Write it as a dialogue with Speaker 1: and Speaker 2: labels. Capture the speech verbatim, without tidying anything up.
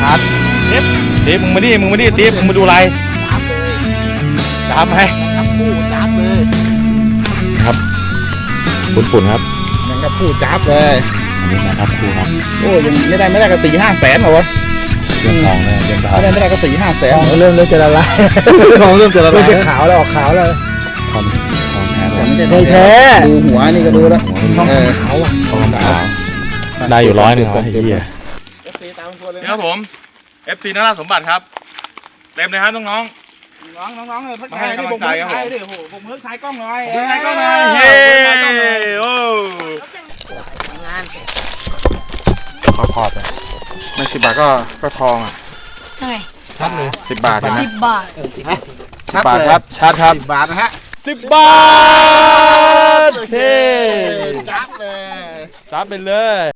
Speaker 1: ชัดติ๊บติ๊บมึงมาดิมึงมาดิติ๊บมึงมาดูอะไรจับเลยจับไหมจับคู่จับเลยครับฝุ่นฝุ่นครับยังกับคู่จับเลยอันนี้นะครับคู่ครับโอ้ยังไม่ได้ไม่ได้ก็สี่ห้าแสนหรอวะเรื่องทองเลยเรื่องทองไม่ได้ไม่ได้ก็สี่ห้าแสนเริ่มเริ่มจะละลายทองเริ่มจะละลายเริ่มจะขาวแล้วออกขาวแล้วทองทองแท้ไม่แท้ดูหัวนี่ก็ดูแล้วทองขาวอ่ะทองขาวได้อยู่ร้อยหนึ่งร้อยเฮียนี่ครับผม เอฟ ซี นราสมบัติครับเต็มเลยครับน้องน้องน้องน้องเลยพักใจที่ผมพักใจดิโอ้โหผมเพิ่งถ่ายกล้องหน่อยถ่ายกล้องหน่อยเฮ้โอ้งานพอพอไปไม่สิบบาทก็ก็ทองอ่ะใช่ชัดเลยสิบบาทใช่ไหมสิบบาทสิบบาทครับชัดครับสิบบาทนะฮะสิบบาทเฮ้จับเลยจับไปเลย